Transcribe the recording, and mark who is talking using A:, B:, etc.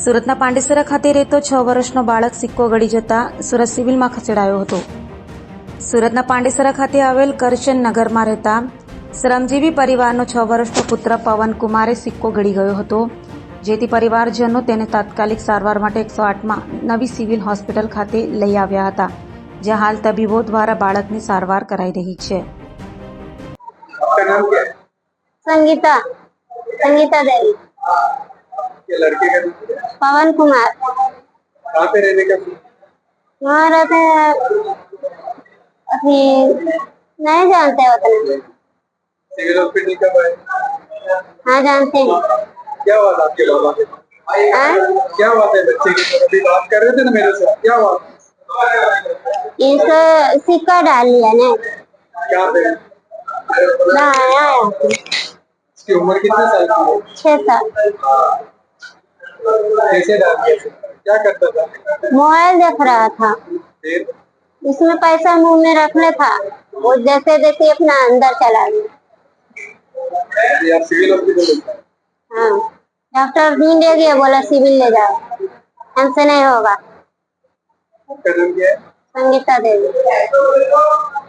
A: સુરતના પાંડેસરા ખાતે રહેતો 6 વર્ષનો બાળક સિક્કો ગળી જતા સુરત સિવિલમાં ખસેડાયો હતો। સુરતના પાંડેસરા ખાતે આવેલ કરશન નગરમાં રહેતા શ્રમજીવી પરિવારનો 6 વર્ષનો પુત્ર પવન કુમારે સિક્કો ગળી ગયો હતો, જેથી પરિવારજનો તેને તાત્કાલિક સારવાર માટે 108માં નવી સિવિલ હોસ્પિટલ ખાતે લઈ આવ્યા હતા, જ્યાં હાલ તબીબો દ્વારા બાળકની સારવાર કરાઈ રહી છે।
B: आपका नाम क्या है?
C: संगीता संगीता देवी।
B: ये लड़के का नाम क्या है?
C: पवन कुमार।
B: कहाँ पे रहने का?
C: वहाँ रहते हैं, अभी नहीं जानते उतना।
B: सिविल हॉस्पिटल कब आए?
C: हाँ जानते हैं।
B: क्या हुआ था आपके बाबा के?
C: हाँ?
B: क्या हुआ था बच्चे की? अभी बात कर रहे थे ना मेरे से, क्या हुआ?
C: इसे सिक्का डाल लिया ने।
B: क्या पे?
C: ना आया
B: इसकी उम्र कितने साल की है?
C: 6 साल।
B: कैसे डाल दिया? क्या करता था?
C: मोबाइल देख रहा था,
B: फिर
C: इसमें पैसा मुंह में रखने था, वो जैसे जैसे अपना अंदर चला गया।
B: ये आप सिविल हॉस्पिटल ले गए?
C: हाँ, डॉक्टर ढूंढे गए, बोला सिविल ले जाओ, हमसे नहीं होगा।
B: आपका नाम क्या है?
C: संगीता देवी।